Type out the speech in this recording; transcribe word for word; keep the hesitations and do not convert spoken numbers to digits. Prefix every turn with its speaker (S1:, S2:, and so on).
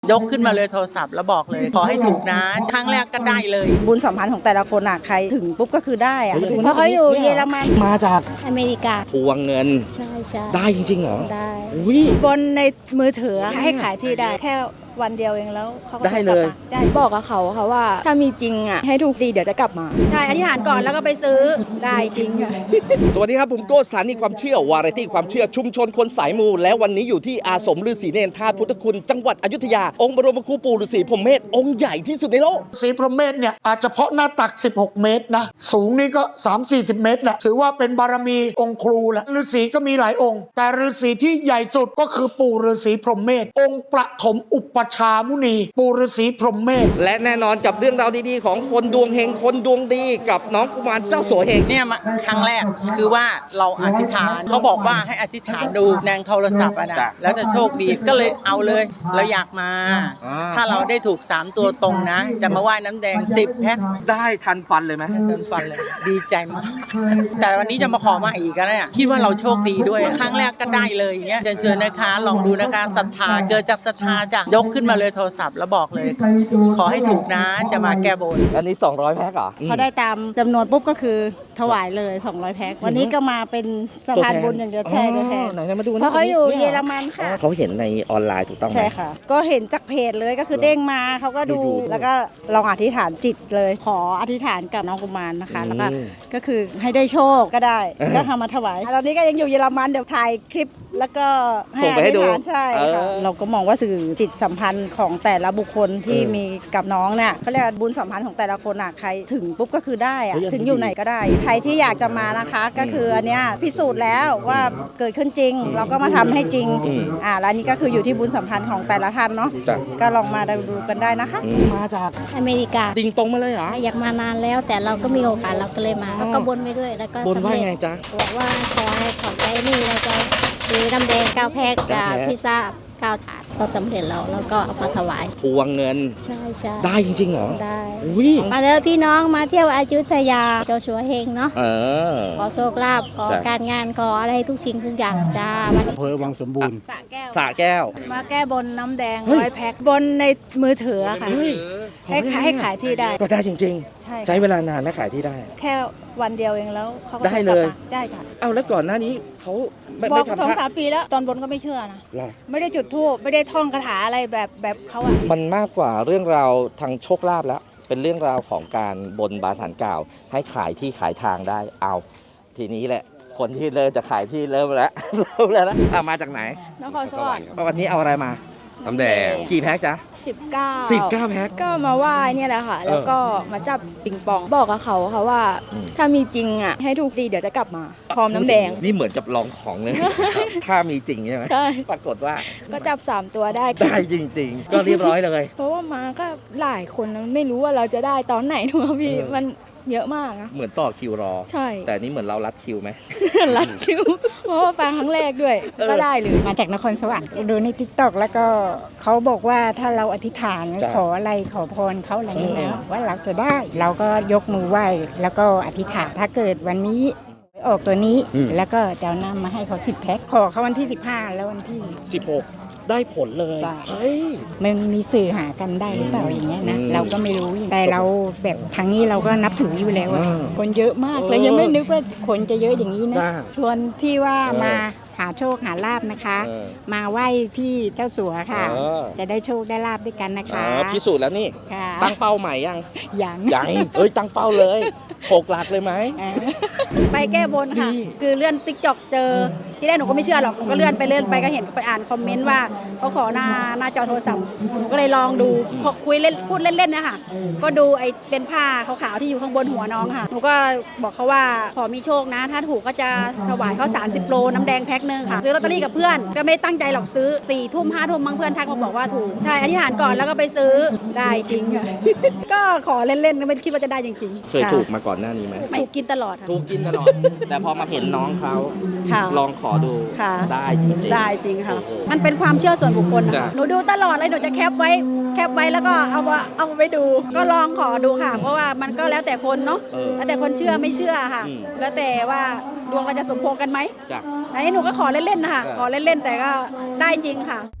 S1: ยกขึ้นมาเลยโทรศัพท์แล้วบอกเลยขอให้ถูกนะครั้งแรกก็ได้เลย
S2: บุญสัมพันธ์ของแต่ละคนอ่ะใครถึงปุ๊บก็คือได้อ่ะเพราะเขาอยู่เยอรมัน
S3: มาจาก
S2: อเมริกา
S3: ทวงเงิน
S2: ใช่ใช่
S3: ได้จริงๆเหรอ
S2: ได้
S3: อุ้ย
S2: บนในมือถือให้ขายที่ได้แค่วันเดียวเองแล้วเขาก็
S3: ได้เลย
S2: ใช่บอกกับเขาค่ะว่าถ้ามีจริงอ่ะให้ถูกดีเดี๋ยวจะกลับมาใช่อธิษฐานก่อนแล้วก็ไปซื้อได้จริงค่ะ
S3: สวัสดีครับผมโก้สถานีความเชื่อวาไรตี้ความเชื่อชุมชนคนสายมูและวันนี้อยู่ที่อาสมฤาษีเนรธาตุพุทธคุณจังหวัดอยุธยาองค์บรมครูปู่ฤาษีพรหมเมธองค์ใหญ่ที่สุดในโลก
S4: ศรีพรหมเมธเนี่ยอาจจะเพาะหน้าตักสิบหกเมตรนะสูงนี่ก็ สามถึงสี่สิบ เมตรแหละถือว่าเป็นบารมีองค์ครูแหละฤาษีก็มีหลายองค์แต่ฤาษีที่ใหญ่สุดก็คือปู่ฤาษีพรหมเมธองค์ประถมอุปชามุนีปู่ฤาษีพรหมเมธ
S3: และแน่นอนกับเรื่องราวดีๆของคนดวงเฮงคนดวงดีกับน้องกุมารเจ้าสัวเฮง
S1: เนี่ยมาครั้งแรกคือว่าเราอธิษฐานเขาบอกว่าให้อธิษฐานดูแนงโทรศัพท์อะนะแล้วจะโชคดีก็เลยเอาเลยเราอยากมาถ้าเราได้ถูกสามตัวตรงนะจะมาไหว้น้ำแดงสิบแพ็ค
S3: ได้ทันฟันเลยไหม
S1: ทันฟันเลยดีใจมากแต่วันนี้จะมาขอมาอีกก็ได้คิดว่าเราโชคดีด้วยครั้งแรกก็ได้เลยอย่างเงี้ยเชิญเชิญนะคะลองดูนะคะศรัทธาเกิดจากศรัทธาจ้ะยกขึ้นมาเลยโทรศัพท์แล้วบอกเลยขอให้ถูกนะจะมาแก้บน
S3: อันนี้สองร้อยแพ็คเหรอ
S2: เขาได้ตามจำนวนปุ๊บก็คือถวายเลยสองร้อยแพ็ควันนี้ก็มาเป็นสะพานบุญอย่างเดียวใช่ตัวแทน
S3: ไหนมาดู
S2: เพราะเขาอยู่เยอรมันค่ะ
S3: เขาเห็นในออนไลน์ถูกต้องไหม
S2: ใช่ค่ะก็เห็นจากเพจเลยก็คือเด้งมาเขาก็ดูแล้วก็ลองอธิษฐานจิตเลยขออธิษฐานกับน้องกุมารนะคะแล้วก็ก็คือให้ได้โชคก็ได้ก็ทำมาถวายตอนนี้ก็ยังอยู่เยอรมันเดี๋ยวถ่ายคลิปแล้วก็
S3: ส่งไปให้ดู
S2: ใช่ค่ะเราก็มองว่าสื่อจิตสัมพันธ์ของแต่ละบุคคลที่มีกับน้องเนี่ยเขาเรียกบุญสัมพันธ์ของแต่ละคนอ่ะใครถึงปุ๊บก็คือได้อะถึงอยู่ไหนก็ได้ใครที่อยากจะมานะคะก็คืออันเนี้ยพิสูจน์แล้วว่าเกิดขึ้นจริงเราก็มาทำให้จริงอ่าแล้วนี้ก็คืออยู่ที่บุญสัมพันธ์ของแต่ละท่านเนาะก็ลองมาดูกันได้นะคะ
S3: มาจาก
S2: อเมริกา
S3: ติงตรงมาเลยเหรอ
S2: อยากมานานแล้วแต่เราก็มีโอกาสเราก็เลยมาแล้วก็บนไปด้วยแล้วก็
S3: บนว่าไงจ๊ะ
S2: บอกว่าขอให้ขอใช้นี่เราจะซื้อน้ำแดงเก้าแพ็คกับพิซซ่าเก้าถาดก็สำเร็จแล้วแล้วก็เอามาถวาย
S3: ทวงเงิน
S2: ใช่ใช่
S3: ได้จริงๆเหรอ
S2: ได้มาเลยพี่น้องมาเที่ยวอยุธยาเจ้าสัวเฮงเนาะ
S3: เออ
S2: ขอโชคลาภขอการงานขออะไรทุกสิ่งทุกอย่างจ้า
S5: อำเภอวังสมบูรณ์
S2: สระแก้ว
S3: สระแก้ว
S2: มาแก้บนน้ำแดงร้อยแพ็คบนในมือถือค่ะให้ขายให้ขายที่ได้
S3: ก็ได้จริง
S2: ๆใช่
S3: ใช้เวลานานและขายที่ได้
S2: แค่วันเดียวเองแล้วเขาก็
S3: ได้เลย
S2: ใช่ค่ะ
S3: เอาแล้วก่อนหน้านี้เขา
S2: บอกสองสามปีแล้วตอนบนก็ไม่เชื่อนะไม่ได้จุดธูปไม่ได้ท่องคาถาอะไรแบบแบบเขาอะ
S3: มันมากกว่าเรื่องราวทางโชคลาภแล้วเป็นเรื่องราวของการบนบานศาลกล่าวให้ขายที่ขายทางได้เอาทีนี้แหละคนที่เริ่มจะขายที่เริ่มแล้วเริ่มแล้วนะอ่ะมาจากไหน
S2: นครสวรรค์
S3: วันนี้เอาอะไรมา
S5: น้ำแดง
S3: กี่แพ็คจ๊ะ
S2: สิบเก้า
S3: สิบเก้าแพ็ค
S2: ก็มาไหว้เนี่ยแหละค่ะแล้วก็มาจับปิงปองบอกกับเขาค่ะว่าถ้ามีจริงอ่ะให้ถูกดีเดี๋ยวจะกลับมาพร้อมน้ำแดง
S3: นี่เหมือนกับลองของเลยถ้ามีจริงใช่ไหม
S2: ใช่
S3: ปรากฏว่า
S2: ก็จับสามตัวได้
S3: ได้จริงๆก็เรียบร้อยเลย
S2: เพราะว่ามาก็หลายคนไม่รู้ว่าเราจะได้ตอนไหนถูกไหมพี่มันเยอะมากนะ
S3: เหมือนต่อคิวรอ
S2: ใช่
S3: แต่นี่เหมือนเรารัดคิวไหม
S2: รัดคิวเพราะว่าฟังครั้งแรกด้วยก็ได้เลยมาจากนครสวรรค์ดูใน ติ๊กต็อก แล้วก็เขาบอกว่าถ้าเราอธิษฐานขออะไรขอพรเขาอะไรนี่นะว่าเราจะได้เราก็ยกมือไหว้แล้วก็อธิษฐานถ้าเกิดวันนี้ออกตัวนี้แล้วก็จะเอาน้ำมาให้เขาสิบแพ็คขอเขาวันที่สิบห้าแล้ววันที่
S3: สิบหกได้ผลเลย
S2: เฮ้ยมันมีสื่อหากันได้หรือเปล่าอย่างเงี้ยนะเราก็ไม่รู้แต่เราแบบทางนี้เราก็นับถืออยู่แล้วคนเยอะมากเลยยังไม่นึกว่าคนจะเยอะอย่างนี้นะชวนที่ว่ามาหาโชคหาลาภนะคะมาไหว้ที่เจ้าสัวค่ะจะได้โชคได้ลาภด้วยกันนะคะ
S3: พิสูจน์แล้วนี่ตั้งเป้าใหม่ยัง
S2: ยัง
S3: ยังเอ้ยตั้งเป้าเลยหกหลักเลยไหม
S2: ไปแก้บนค่ะคือเลื่อนติ๊กต็อกเจอที่แรกหนูก็ไม่เชื่อหรอกหนูก็เลื่อนไปเลื่อนไปก็เห็นไปอ่านคอมเมนต์ว่าเขาขอหน้าหน้าจอโทรศัพท์หนูก็เลยลองดูพอคุยเล่นพูดเล่นๆนะคะก็ดูไอ้เป็นผ้าขาวๆที่อยู่ข้างบนหัวน้องค่ะหนูก็บอกเขาว่าขอมีโชคนะถ้าถูกก็จะถวายเขาสามสิบโลน้ำแดงแพ็คนึงค่ะซื้อลอตเตอรี่กับเพื่อนก็ไม่ตั้งใจหรอกซื้อสี่ทุ่มห้าทุ่มบางเพื่อนทักมาบอกว่าถูกใช่อธิษฐานก่อนแล้วก็ไปซื้อได้จริงค่ะก็ขอเล่นๆไม่คิดว่าจะได้จริง
S3: ๆเคยถูกมาก่อนหน้านี้ไหม
S2: ถูกกินตลอด
S3: ถูกกินตลอดแต่พอมาเห็นน้องเขาลองขอดูได้จริง
S2: ได้จริงค่ะมันเป็นความเชื่อส่วนบุคคลหนูดูตลอดเลยหนูจะแคปไว้แคปไว้แล้วก็เอามาเอาไปดูก็ลองขอดูค่ะเพราะว่ามันก็แล้วแต่คนเนาะแล้วแต่คนเชื่อไม่เชื่อค่ะแล้วแต่ว่าดวงเราจะสมพงษ์กันไหมอันนี้หนูก็ขอเล่นๆนะคะขอเล่นๆแต่ก็ได้จริงค่ะ